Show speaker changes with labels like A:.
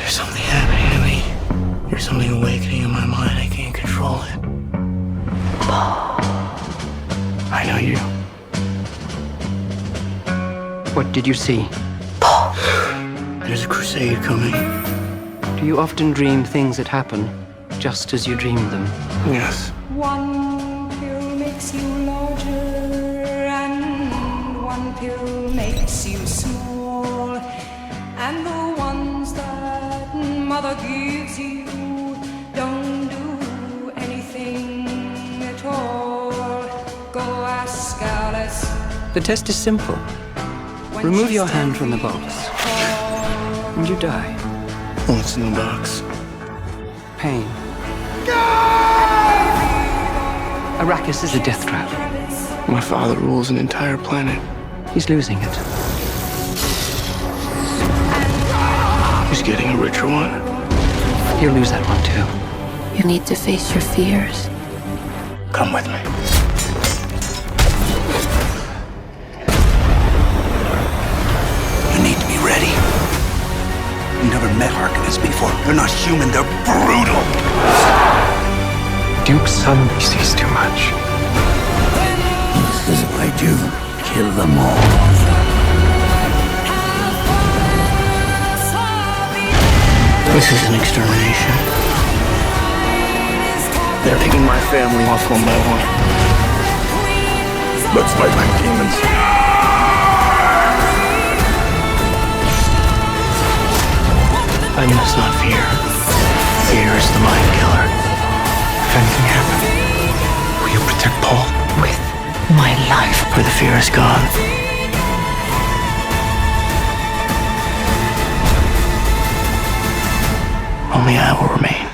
A: There's something happening to me. There's something awakening in my mind. I can't control it. I know you.
B: What did you see?
A: There's a crusade coming.
B: Do you often dream things that happen just as you dreamed them?
A: Yes.
C: One pill makes you larger, and one pill makes you small. And the ones that mother gives you don't do anything at all. Go ask Alice.
B: The test is simple. Remove your hand from the box, and you die.
A: What's in the box?
B: Pain. Arrakis is a death trap.
A: My father rules an entire planet.
B: He's losing it.
A: He's getting a richer one.
B: He'll lose that one too.
D: You need to face your fears.
A: Come with me.
E: You need to be ready. You never met Harkonnens before. They're not human, they're brutal.
A: Duke's son sees too much.
E: This is what I do. Kill them all.
A: This is an extermination. They're taking my family off one by one.
E: Let's fight like demons.
A: I must not fear. Fear is the mind killer. If anything happened, will you protect Paul?
D: With my life.
A: Where the fear is gone, only I will remain.